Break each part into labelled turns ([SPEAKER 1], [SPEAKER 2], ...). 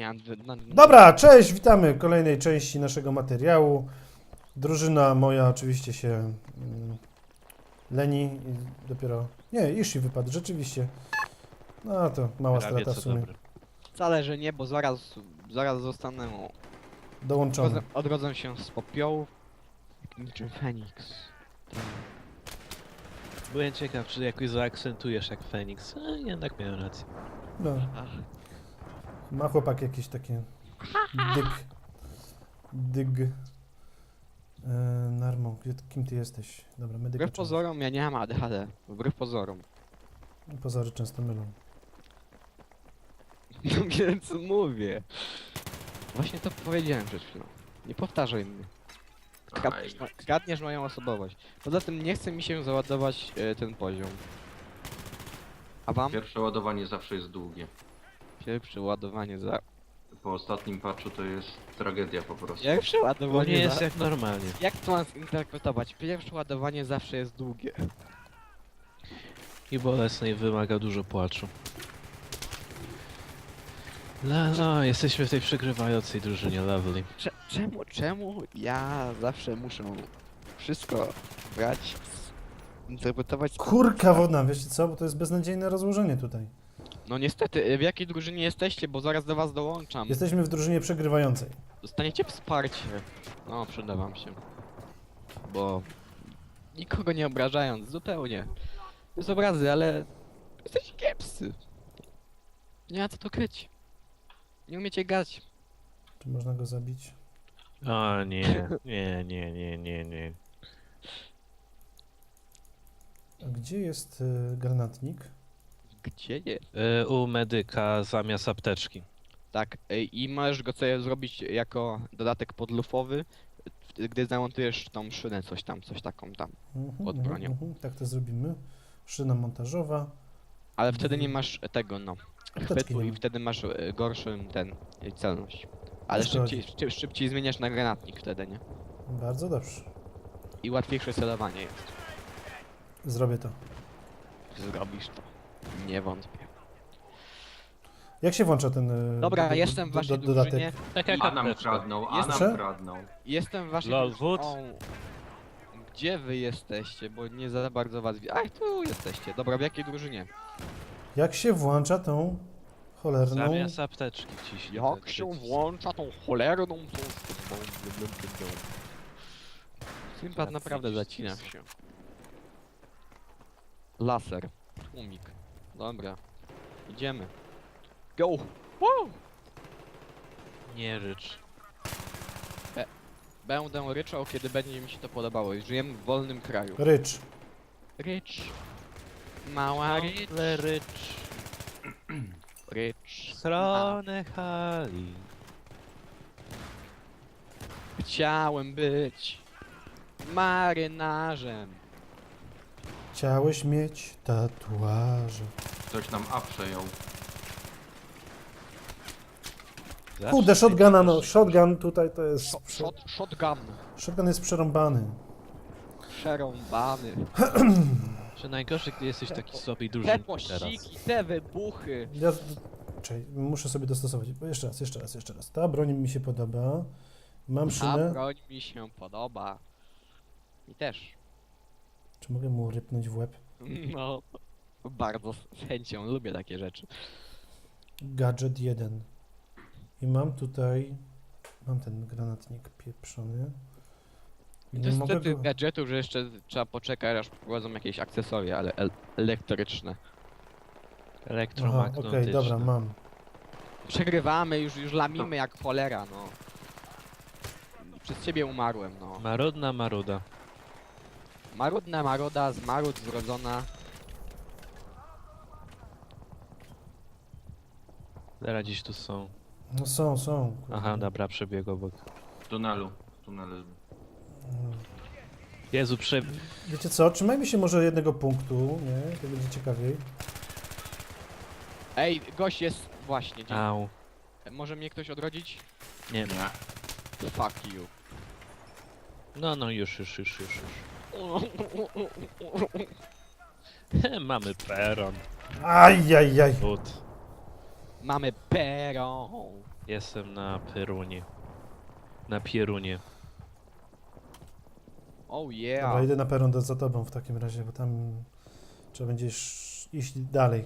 [SPEAKER 1] Nie,
[SPEAKER 2] Dobra, cześć, witamy w kolejnej części naszego materiału. Drużyna moja oczywiście się leni i dopiero... Nie, Ishi wypadł, rzeczywiście. No to mała
[SPEAKER 3] Prawie
[SPEAKER 2] strata w
[SPEAKER 3] co
[SPEAKER 2] sumie.
[SPEAKER 3] dobre.
[SPEAKER 1] wcale, że nie, bo zaraz zostanę...
[SPEAKER 2] Dołączony.
[SPEAKER 1] Odrodzę się z popiołów. Jak niczym Feniks.
[SPEAKER 3] Byłem ciekaw, czy jakoś zaakcentujesz jak Feniks. Jednak miałem rację.
[SPEAKER 2] No,
[SPEAKER 1] Ach,
[SPEAKER 2] ma chłopak jakieś takie... Dyg. Narmo, kim ty jesteś? Dobra, medyka.
[SPEAKER 1] wbrew pozorom ja nie mam ADHD. Wbrew pozorom.
[SPEAKER 2] Pozory często mylą.
[SPEAKER 1] No więc mówię. Właśnie to powiedziałem przed chwilą. Nie powtarzaj mnie. Kradniesz moją osobowość. Poza tym nie chce mi się załadować ten poziom. A wam?
[SPEAKER 4] Pierwsze ładowanie zawsze jest długie.
[SPEAKER 1] Pierwsze ładowanie za...
[SPEAKER 4] Po ostatnim patchu to jest tragedia po prostu.
[SPEAKER 1] Pierwsze
[SPEAKER 3] Bo
[SPEAKER 1] ładowanie
[SPEAKER 3] nie jest
[SPEAKER 1] za...
[SPEAKER 3] jak normalnie.
[SPEAKER 1] Jak to mam zinterpretować? Pierwsze ładowanie zawsze jest długie.
[SPEAKER 3] I bolesne i wymaga dużo płaczu. No, jesteśmy w tej przegrywającej drużynie, lovely.
[SPEAKER 1] Czemu ja zawsze muszę wszystko brać, interpretować...
[SPEAKER 2] Kurka wodna, wiecie co? Bo to jest beznadziejne rozłożenie tutaj.
[SPEAKER 1] No niestety, w jakiej drużynie jesteście, bo zaraz do was dołączam.
[SPEAKER 2] Jesteśmy w drużynie przegrywającej.
[SPEAKER 1] Dostaniecie wsparcie. No, przyda wam się. Bo... Nikogo nie obrażając, zupełnie. Bez obrazy, ale... Jesteście kiepscy. Nie ma co to kryć. Nie umiecie grać.
[SPEAKER 2] Czy można go zabić?
[SPEAKER 3] O nie.
[SPEAKER 2] A gdzie jest granatnik?
[SPEAKER 1] Gdzie nie?
[SPEAKER 3] U medyka zamiast apteczki.
[SPEAKER 1] Tak, i możesz go sobie zrobić jako dodatek podlufowy, gdy zamontujesz tą szynę, coś taką tam. Pod bronią.
[SPEAKER 2] Tak to zrobimy. Szyna montażowa.
[SPEAKER 1] Ale wtedy nie masz tego, no,
[SPEAKER 2] Apteczki
[SPEAKER 1] chwytu
[SPEAKER 2] nie
[SPEAKER 1] i
[SPEAKER 2] ma.
[SPEAKER 1] wtedy masz gorszy celność. Ale
[SPEAKER 2] Wiesz, co
[SPEAKER 1] szybciej zmieniasz na granatnik wtedy, nie?
[SPEAKER 2] Bardzo dobrze.
[SPEAKER 1] I łatwiejsze celowanie jest.
[SPEAKER 2] Zrobię to.
[SPEAKER 1] Zrobisz to. Nie wątpię.
[SPEAKER 2] Jak się włącza ten
[SPEAKER 1] Dobra, jestem w waszej
[SPEAKER 2] dodatek?
[SPEAKER 1] drużynie.
[SPEAKER 3] Tak jak
[SPEAKER 4] A nam
[SPEAKER 3] apteczka.
[SPEAKER 4] kradną, a
[SPEAKER 1] Jest-
[SPEAKER 4] nam kradną.
[SPEAKER 1] Jestem w waszej
[SPEAKER 3] Lol,
[SPEAKER 1] drużynie.
[SPEAKER 3] wód.
[SPEAKER 1] O, gdzie wy jesteście? Bo nie za bardzo was widzę. Ach, tu jesteście. Dobra, w jakiej drużynie?
[SPEAKER 2] Jak się włącza tą cholerną...
[SPEAKER 3] Zamiast apteczki ciśnie.
[SPEAKER 1] Jak
[SPEAKER 3] ten
[SPEAKER 1] się
[SPEAKER 3] przycisk.
[SPEAKER 1] włącza tą cholerną Sympad
[SPEAKER 3] Tak,
[SPEAKER 1] naprawdę
[SPEAKER 3] widzisz,
[SPEAKER 1] zacina
[SPEAKER 3] jest.
[SPEAKER 1] się. Laser. Tłumik. Dobra. Idziemy. Go! Woo!
[SPEAKER 3] Nie rycz.
[SPEAKER 1] Będę ryczał, kiedy będzie mi się to podobało. Żyjemy w wolnym kraju.
[SPEAKER 2] Rycz.
[SPEAKER 1] Rycz. Mała rycz.
[SPEAKER 3] Ale rycz.
[SPEAKER 1] Rycz.
[SPEAKER 3] Stronę hali.
[SPEAKER 1] Chciałem być marynarzem.
[SPEAKER 2] Chciałeś mieć tatuaże.
[SPEAKER 4] Ktoś nam A przejął.
[SPEAKER 2] Kurde, shotguna, no. Shotgun tutaj to jest...
[SPEAKER 1] Shotgun.
[SPEAKER 2] Shotgun jest przerąbany.
[SPEAKER 1] Przerąbany.
[SPEAKER 3] Że najgorsze, gdy jesteś taki słaby i
[SPEAKER 1] Te
[SPEAKER 3] drużyny teraz.
[SPEAKER 1] pościgi, te wybuchy.
[SPEAKER 2] Ja... Czekaj, muszę sobie dostosować. Jeszcze raz. Ta broń mi się podoba. Mam
[SPEAKER 1] Ta
[SPEAKER 2] szynę.
[SPEAKER 1] broń mi się podoba. Mi też.
[SPEAKER 2] Czy mogę mu rypnąć w łeb?
[SPEAKER 1] No, bardzo z chęcią lubię takie rzeczy.
[SPEAKER 2] Gadżet 1. I mam tutaj... Mam ten granatnik pieprzony. I
[SPEAKER 1] To
[SPEAKER 2] nie
[SPEAKER 1] jest
[SPEAKER 2] mogę
[SPEAKER 1] wtedy
[SPEAKER 2] go...
[SPEAKER 1] gadżetów, że jeszcze trzeba poczekać, aż wprowadzą jakieś akcesoria, ale elektryczne.
[SPEAKER 2] Aha,
[SPEAKER 3] Elektromagnetyczne.
[SPEAKER 2] okej, dobra, mam.
[SPEAKER 1] Przegrywamy, już lamimy jak cholera, no. Przez ciebie umarłem, no.
[SPEAKER 3] Marudna maruda.
[SPEAKER 1] Marudna maroda, z marud zrodzona.
[SPEAKER 3] Zaraz gdzieś tu są.
[SPEAKER 2] No są. kurde.
[SPEAKER 3] Aha, dobra, przebiegł obok.
[SPEAKER 4] W tunelu. Tunelu.
[SPEAKER 2] Mm.
[SPEAKER 3] Jezu,
[SPEAKER 2] Wiecie co, trzymajmy się może jednego punktu, nie? To będzie ciekawiej.
[SPEAKER 1] Ej, gość jest właśnie.
[SPEAKER 3] Au.
[SPEAKER 1] Może mnie ktoś odrodzić?
[SPEAKER 3] Nie.
[SPEAKER 4] Nie.
[SPEAKER 1] Fuck you.
[SPEAKER 3] No, już. Mamy peron.
[SPEAKER 2] Ajajaj.
[SPEAKER 3] Wód.
[SPEAKER 1] Mamy pero.
[SPEAKER 3] Jestem na Perunie. Na Pierunie.
[SPEAKER 1] Oh
[SPEAKER 2] Dobra,
[SPEAKER 1] yeah.
[SPEAKER 2] idę na peron za tobą w takim razie, bo tam trzeba będzie iść dalej.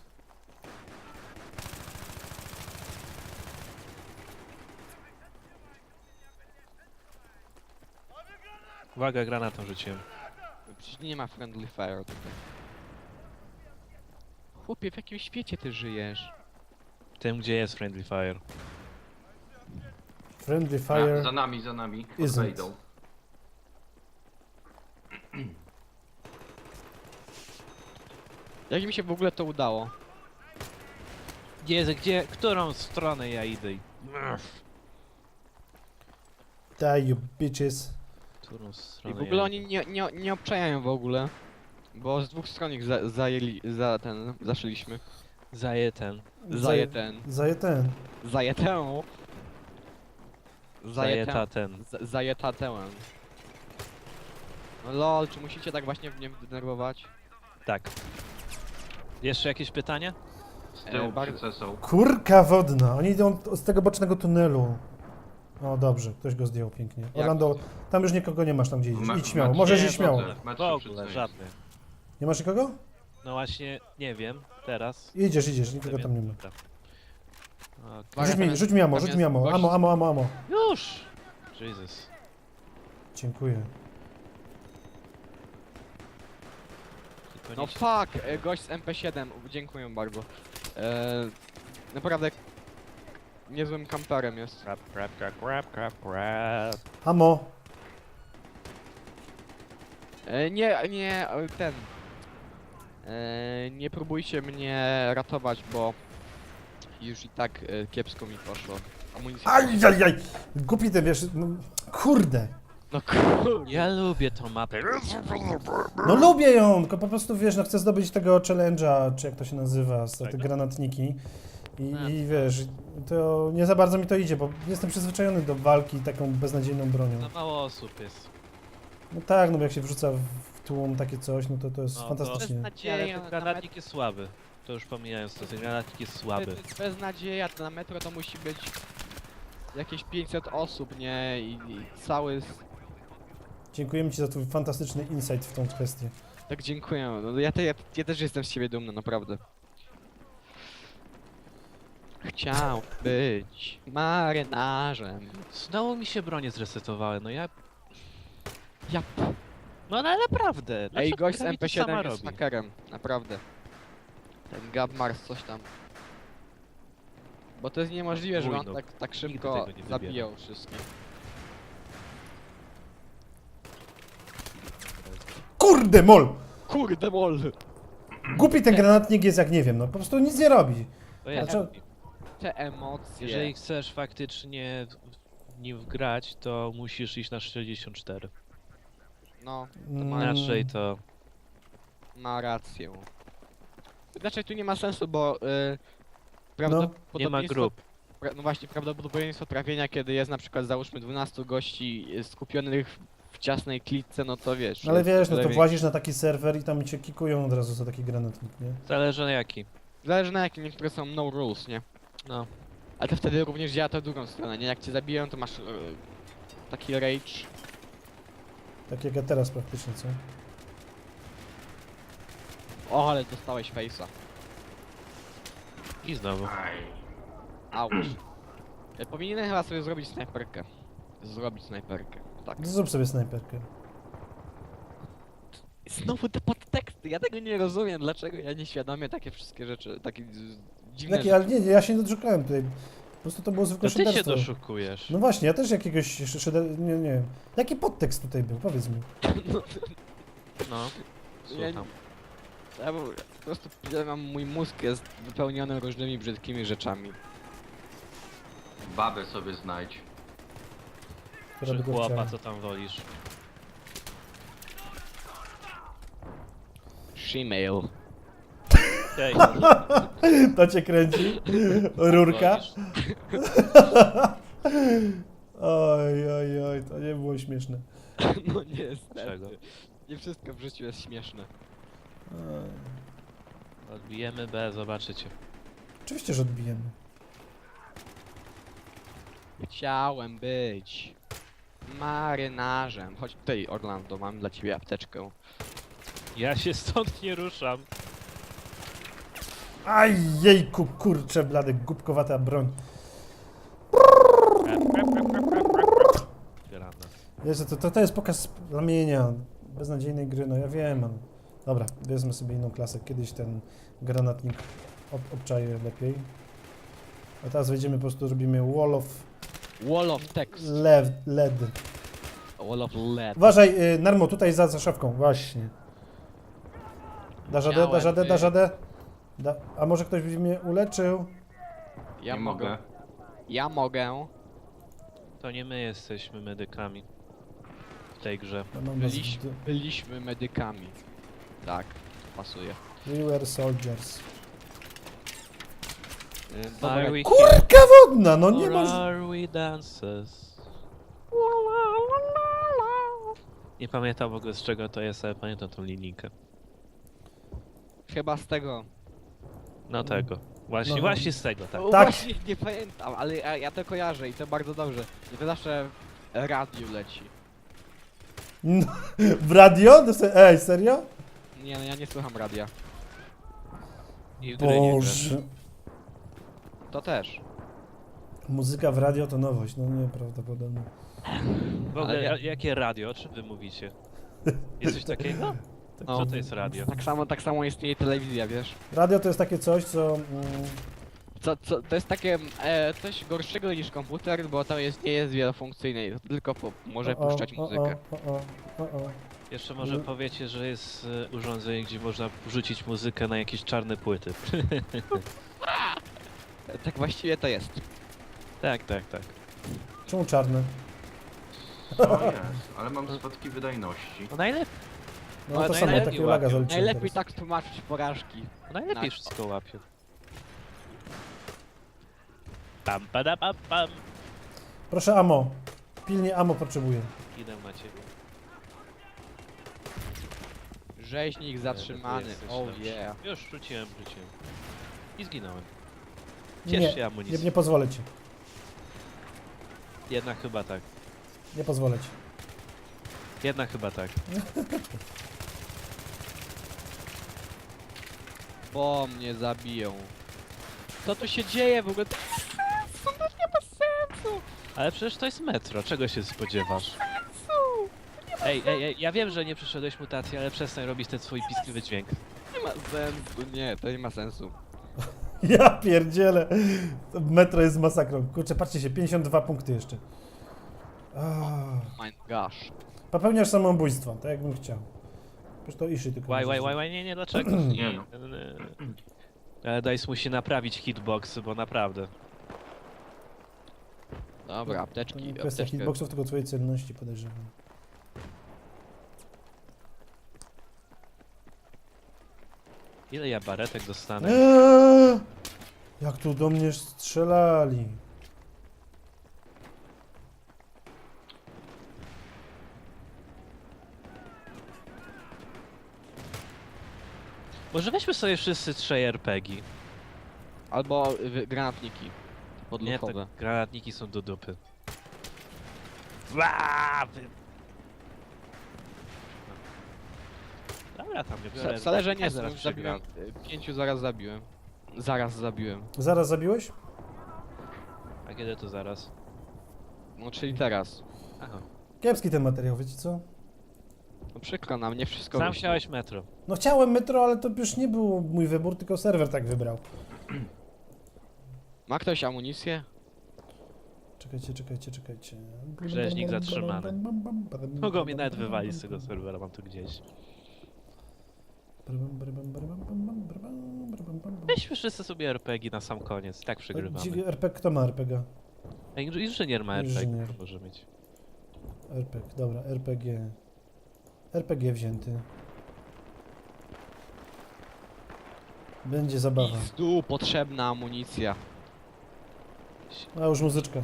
[SPEAKER 3] Uwaga, granatem rzuciłem.
[SPEAKER 1] Przecież nie ma friendly fire tutaj. Chłopie, w jakim świecie ty żyjesz?
[SPEAKER 3] Tym, gdzie jest Friendly Fire.
[SPEAKER 2] Friendly fire.
[SPEAKER 4] Za nami.
[SPEAKER 2] Isn't.
[SPEAKER 4] Wejdą.
[SPEAKER 1] Jak mi się w ogóle to udało?
[SPEAKER 3] Gdzie, którą stronę ja idę?
[SPEAKER 2] Die you bitches.
[SPEAKER 3] Którą
[SPEAKER 1] I
[SPEAKER 3] stronę
[SPEAKER 1] w ogóle
[SPEAKER 3] ja
[SPEAKER 1] oni nie obczajają w ogóle. Bo z dwóch stron ich zaszyliśmy.
[SPEAKER 3] Zaję ten.
[SPEAKER 1] Zaję ten.
[SPEAKER 2] Zaję ten.
[SPEAKER 1] Zaję tę.
[SPEAKER 3] Zaję ta ten.
[SPEAKER 1] Zaję tę. No lol, czy musicie tak właśnie mnie denerwować?
[SPEAKER 3] Tak. Jeszcze jakieś pytania?
[SPEAKER 4] Z tyłu
[SPEAKER 1] bardzo-
[SPEAKER 4] przycesą.
[SPEAKER 2] Kurka wodna. Oni idą z tego bocznego tunelu. O, dobrze, ktoś go zdjął pięknie.
[SPEAKER 1] Jak
[SPEAKER 2] Orlando,
[SPEAKER 1] to?
[SPEAKER 2] tam już nikogo nie masz tam gdzie idziesz.
[SPEAKER 4] Ma-
[SPEAKER 2] Idź śmiało,
[SPEAKER 4] ma-
[SPEAKER 2] możesz
[SPEAKER 3] nie,
[SPEAKER 2] iść śmiało.
[SPEAKER 3] w
[SPEAKER 4] Metr
[SPEAKER 3] W ogóle,
[SPEAKER 4] przycesą.
[SPEAKER 3] żadny.
[SPEAKER 2] Nie masz nikogo?
[SPEAKER 3] No właśnie, nie wiem, teraz.
[SPEAKER 2] Idziesz, nikogo tam nie ma.
[SPEAKER 3] Dobra. Okej.
[SPEAKER 1] Uwaga,
[SPEAKER 2] Rzuć mi ammo,
[SPEAKER 1] tam
[SPEAKER 2] rzuć
[SPEAKER 1] jest
[SPEAKER 2] mi ammo.
[SPEAKER 1] gość.
[SPEAKER 2] Ammo.
[SPEAKER 3] Już! Jesus.
[SPEAKER 2] Dziękuję.
[SPEAKER 3] Tylko
[SPEAKER 1] No
[SPEAKER 3] nie
[SPEAKER 1] fuck, gość z MP7, dziękuję bardzo. Naprawdę niezłym kamperem jest.
[SPEAKER 3] Crap.
[SPEAKER 2] Ammo.
[SPEAKER 1] Ten. Nie próbujcie mnie ratować, bo już i tak kiepsko mi poszło. Amunicja.
[SPEAKER 2] Ajajaj! Głupi ty, wiesz, no, kurde.
[SPEAKER 1] No kurde.
[SPEAKER 3] Ja lubię tą mapę.
[SPEAKER 2] No lubię ją, tylko po prostu, wiesz, no chcę zdobyć tego challenge'a, czy jak to się nazywa, te
[SPEAKER 3] Tego?
[SPEAKER 2] granatniki.
[SPEAKER 3] A.
[SPEAKER 2] I wiesz, to nie za bardzo mi to idzie, bo jestem przyzwyczajony do walki taką beznadziejną bronią.
[SPEAKER 3] Za mało osób jest.
[SPEAKER 2] No tak, no bo jak się wrzuca w tłum takie coś, no to jest
[SPEAKER 3] No to-
[SPEAKER 2] fantastycznie.
[SPEAKER 3] Ale
[SPEAKER 1] Nadzieja,
[SPEAKER 3] ten granatnik jest słaby. To już pomijając to, ten granatnik jest słaby.
[SPEAKER 1] Bez nadzieja, to na metro to musi być jakieś 500 osób, nie? I cały...
[SPEAKER 2] Dziękujemy ci za twój fantastyczny insight w tą kwestię.
[SPEAKER 1] Tak dziękuję. No, ja też jestem z siebie dumny, naprawdę. Chciał być marynarzem.
[SPEAKER 3] Znowu mi się bronie zresetowały, no ja...
[SPEAKER 1] Ja...
[SPEAKER 3] No ale naprawdę!
[SPEAKER 1] Ej,
[SPEAKER 3] dlaczego
[SPEAKER 1] gość z
[SPEAKER 3] gra mi to sama
[SPEAKER 1] MP7 jest
[SPEAKER 3] robi?
[SPEAKER 1] hakerem, naprawdę. Ten Gab Mars coś tam. Bo to jest niemożliwe, żeby on
[SPEAKER 3] Wujnuk.
[SPEAKER 1] tak
[SPEAKER 3] Nigdy
[SPEAKER 1] szybko
[SPEAKER 3] tego nie wybierę.
[SPEAKER 1] zabijał wszystkich.
[SPEAKER 2] Kurde, mol!
[SPEAKER 1] Kurde mol!
[SPEAKER 2] Głupi ten granatnik jest jak nie wiem, no po prostu nic nie robi.
[SPEAKER 3] To ja
[SPEAKER 2] Dlaczego-
[SPEAKER 1] Te emocje.
[SPEAKER 3] Jeżeli chcesz faktycznie w nim grać, to musisz iść na 64.
[SPEAKER 1] No,
[SPEAKER 3] Inaczej to...
[SPEAKER 1] ma rację. Znaczy tu nie ma sensu, bo
[SPEAKER 3] Nie ma grup.
[SPEAKER 1] No właśnie, prawdopodobieństwo trafienia, kiedy jest na przykład załóżmy 12 gości skupionych w ciasnej klitce, no to wiesz.
[SPEAKER 2] Ale
[SPEAKER 1] jest
[SPEAKER 2] wiesz, no
[SPEAKER 1] tyle
[SPEAKER 2] to
[SPEAKER 1] większy.
[SPEAKER 2] włazisz na taki serwer i tam cię kikują od razu za taki granatnik, nie?
[SPEAKER 3] Zależy na jaki.
[SPEAKER 1] Zależy na jakim, niektóre są no rules, nie?
[SPEAKER 3] No.
[SPEAKER 1] Ale to wtedy również działa to w drugą stronę, nie? Jak cię zabiją, to masz taki rage.
[SPEAKER 2] Tak jak ja teraz praktycznie, co?
[SPEAKER 1] O, ale dostałeś face'a.
[SPEAKER 3] I znowu.
[SPEAKER 4] Aj.
[SPEAKER 1] Auć. Powinienem chyba sobie zrobić snajperkę. Zrobić snajperkę, tak.
[SPEAKER 2] Zrób sobie snajperkę.
[SPEAKER 1] Znowu te podteksty, ja tego nie rozumiem, dlaczego ja nieświadomie takie wszystkie rzeczy, takie dziwne
[SPEAKER 2] Jakie, ale nie, ja się nie doszukałem tutaj. Po prostu to było zwykłe
[SPEAKER 3] To ty się
[SPEAKER 2] szyderstwo.
[SPEAKER 3] doszukujesz.
[SPEAKER 2] No właśnie, ja też jakiegoś nie wiem. Jaki podtekst tutaj był? Powiedz mi.
[SPEAKER 3] No.
[SPEAKER 1] Ja
[SPEAKER 3] Słucham.
[SPEAKER 1] po prostu mój mózg jest wypełniony różnymi brzydkimi rzeczami.
[SPEAKER 4] Babę sobie znajdź.
[SPEAKER 2] Która by
[SPEAKER 3] Czy
[SPEAKER 2] go
[SPEAKER 3] chłopa,
[SPEAKER 2] chciała.
[SPEAKER 3] co tam wolisz?
[SPEAKER 1] Shemale.
[SPEAKER 3] Hej,
[SPEAKER 2] To cię kręci? Rurka?
[SPEAKER 3] wolisz?
[SPEAKER 2] Oj, to nie było śmieszne.
[SPEAKER 1] No niestety.
[SPEAKER 3] Czego?
[SPEAKER 1] Nie wszystko w życiu jest śmieszne.
[SPEAKER 2] Oj.
[SPEAKER 3] Odbijemy B, zobaczycie.
[SPEAKER 2] Oczywiście, że odbijemy.
[SPEAKER 1] Chciałem być marynarzem. Chodź tutaj, Orlando, mam dla ciebie apteczkę.
[SPEAKER 3] Ja się stąd nie ruszam.
[SPEAKER 2] Aj, jejku, kurczę, blady, głupkowata broń.
[SPEAKER 3] Granat.
[SPEAKER 2] Jezu, to jest pokaz ramienia beznadziejnej gry, no ja wiem. Dobra, wezmę sobie inną klasę. Kiedyś ten granatnik obczaję lepiej. A teraz wejdziemy, po prostu robimy wall of
[SPEAKER 1] Wall of text.
[SPEAKER 2] lead.
[SPEAKER 1] Wall of lead.
[SPEAKER 2] Uważaj, Narmo, tutaj za szafką, właśnie. Dasz radę, dasz radę, dasz radę. A może ktoś by mnie uleczył?
[SPEAKER 1] Ja
[SPEAKER 4] Nie
[SPEAKER 1] mogę.
[SPEAKER 4] mogę.
[SPEAKER 1] Ja mogę.
[SPEAKER 3] To nie my jesteśmy medykami w tej grze.
[SPEAKER 2] Ja mam was
[SPEAKER 1] Byliśmy medykami. Tak, pasuje.
[SPEAKER 2] We were soldiers.
[SPEAKER 1] Dobra,
[SPEAKER 3] Are we
[SPEAKER 2] Kurka wodna, no nie
[SPEAKER 3] or
[SPEAKER 2] masz...
[SPEAKER 3] are we dancers? Nie pamiętam w ogóle z czego to jest, ale pamiętam tą linijkę.
[SPEAKER 1] chyba z tego.
[SPEAKER 3] No tego. Właśnie,
[SPEAKER 2] No.
[SPEAKER 3] właśnie z tego, tak.
[SPEAKER 1] O,
[SPEAKER 2] Tak.
[SPEAKER 1] Właśnie nie pamiętam, ale ja to kojarzę i to bardzo dobrze. I to zawsze w radiu leci.
[SPEAKER 2] No, w radio? Ej, serio?
[SPEAKER 1] Nie, no ja nie słucham radia.
[SPEAKER 3] I w grę nie grasz.
[SPEAKER 2] Boże.
[SPEAKER 1] To też.
[SPEAKER 2] Muzyka w radio to nowość, no nieprawdopodobne.
[SPEAKER 3] W ogóle,
[SPEAKER 1] Ale ja-
[SPEAKER 3] jakie radio? O czym wy mówicie? Jest coś takiego?
[SPEAKER 1] No.
[SPEAKER 3] Co to jest radio?
[SPEAKER 1] Tak samo istnieje telewizja, wiesz?
[SPEAKER 2] Radio to jest takie coś, co...
[SPEAKER 1] To jest takie coś gorszego niż komputer, bo to nie jest wielofunkcyjne, to tylko może puszczać muzykę.
[SPEAKER 2] O.
[SPEAKER 3] Jeszcze może powiecie, że jest urządzenie, gdzie można wrzucić muzykę na jakieś czarne płyty.
[SPEAKER 1] Tak właściwie to jest.
[SPEAKER 3] Tak, tak, tak.
[SPEAKER 2] Czemu czarne?
[SPEAKER 4] To jest, ale mam spadki wydajności.
[SPEAKER 3] No najlepiej,
[SPEAKER 2] No
[SPEAKER 1] Ale
[SPEAKER 2] to samo,
[SPEAKER 3] najlepiej
[SPEAKER 2] takie laga
[SPEAKER 3] łapią.
[SPEAKER 2] zaliczyłem
[SPEAKER 1] Najlepiej
[SPEAKER 2] teraz.
[SPEAKER 1] tak tłumaczyć porażki.
[SPEAKER 3] najlepiej
[SPEAKER 1] Tak.
[SPEAKER 3] wszystko łapią. Pam, pada, pam, pam.
[SPEAKER 2] Proszę amo. Pilnie amo potrzebuję.
[SPEAKER 3] Idę macie.
[SPEAKER 1] Rzeźnik zatrzymany,
[SPEAKER 3] jesteś
[SPEAKER 1] oh
[SPEAKER 3] lepszy.
[SPEAKER 1] yeah.
[SPEAKER 3] Już rzuciłem. I zginąłem. Ciesz się
[SPEAKER 2] Nie,
[SPEAKER 3] amunicji.
[SPEAKER 2] nie pozwolę ci.
[SPEAKER 3] Jednak chyba tak.
[SPEAKER 2] Nie pozwolę ci.
[SPEAKER 3] Jednak chyba tak.
[SPEAKER 1] Bo mnie zabiją. Co tu się dzieje w ogóle? To nie ma sensu!
[SPEAKER 3] Ale przecież to jest metro, czego się spodziewasz? Ej, ja wiem, że nie przeszedłeś mutacji, ale przestań robić ten swój piskliwy dźwięk.
[SPEAKER 1] Nie ma sensu, nie, to nie ma sensu.
[SPEAKER 2] Ja pierdzielę. To metro jest masakrą. Kurczę, patrzcie się, 52 punkty jeszcze.
[SPEAKER 1] My gosh.
[SPEAKER 2] Popełniasz samobójstwo, tak jakbym chciał. Przecież to Ishi tylko może
[SPEAKER 3] Łaj, nie, dlaczego?
[SPEAKER 4] Nie no.
[SPEAKER 3] Ale Dice musi naprawić hitbox, bo naprawdę.
[SPEAKER 1] Dobra,
[SPEAKER 2] To
[SPEAKER 1] apteczki,
[SPEAKER 2] nie kwestia
[SPEAKER 1] apteczkę.
[SPEAKER 2] hitboxów, tylko twojej celności podejrzewam.
[SPEAKER 3] Ile ja baretek dostanę?
[SPEAKER 2] Jak tu do mnie strzelali.
[SPEAKER 3] Może weźmy sobie wszyscy 3 RPG.
[SPEAKER 1] Albo granatniki.
[SPEAKER 3] Nie,
[SPEAKER 1] Podluchowe.
[SPEAKER 3] te granatniki są do dupy. Dobra, tam nie biorę.
[SPEAKER 1] Wcale, że nie,
[SPEAKER 3] Tak, zaraz
[SPEAKER 1] zabiłem.
[SPEAKER 3] przegram.
[SPEAKER 1] 5 zaraz zabiłem. Zaraz zabiłem.
[SPEAKER 2] Zaraz zabiłeś?
[SPEAKER 3] A kiedy to zaraz?
[SPEAKER 1] No czyli teraz.
[SPEAKER 3] Aha.
[SPEAKER 2] Kiepski ten materiał, wiecie co?
[SPEAKER 1] No przykro nam, nie wszystko
[SPEAKER 3] Sam
[SPEAKER 1] wyszło.
[SPEAKER 3] chciałeś metro.
[SPEAKER 2] No chciałem metro, ale to już nie był mój wybór, tylko serwer tak wybrał.
[SPEAKER 1] Ma ktoś amunicję?
[SPEAKER 2] Czekajcie.
[SPEAKER 3] Rzeźnik zatrzymany. Mogą mnie nawet wywalić z tego serwera, mam tu gdzieś. Weźmy wszyscy sobie RPG na sam koniec, tak przegrywamy.
[SPEAKER 2] RPG, kto ma RPG?
[SPEAKER 3] Ej, inżynier ma RPG,
[SPEAKER 2] Inżynier.
[SPEAKER 3] to może mieć.
[SPEAKER 2] RPG, dobra, RPG. RPG wzięty. Będzie zabawa.
[SPEAKER 1] Tu potrzebna amunicja.
[SPEAKER 2] A już muzyczka.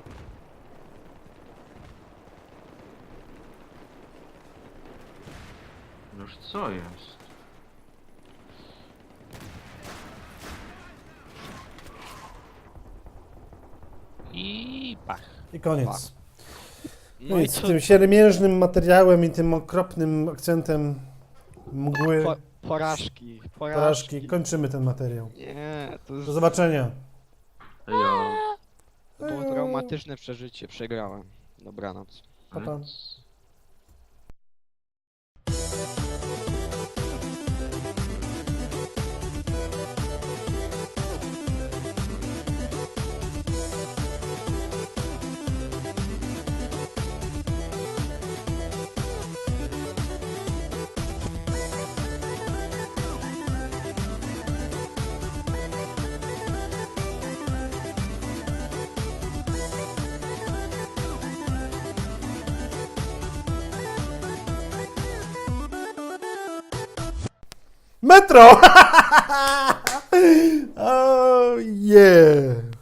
[SPEAKER 4] Już co jest?
[SPEAKER 3] I Pach.
[SPEAKER 2] I koniec.
[SPEAKER 1] No
[SPEAKER 2] No
[SPEAKER 1] i
[SPEAKER 2] i z
[SPEAKER 1] co?
[SPEAKER 2] tym siermiężnym materiałem i tym okropnym akcentem mgły,
[SPEAKER 1] Porażki.
[SPEAKER 2] porażki kończymy ten materiał.
[SPEAKER 1] Nie, to jest...
[SPEAKER 2] Do zobaczenia.
[SPEAKER 4] Ja...
[SPEAKER 1] To było traumatyczne przeżycie, przegrałem. Dobranoc.
[SPEAKER 2] Pa, pa. Metro! Oh yeah!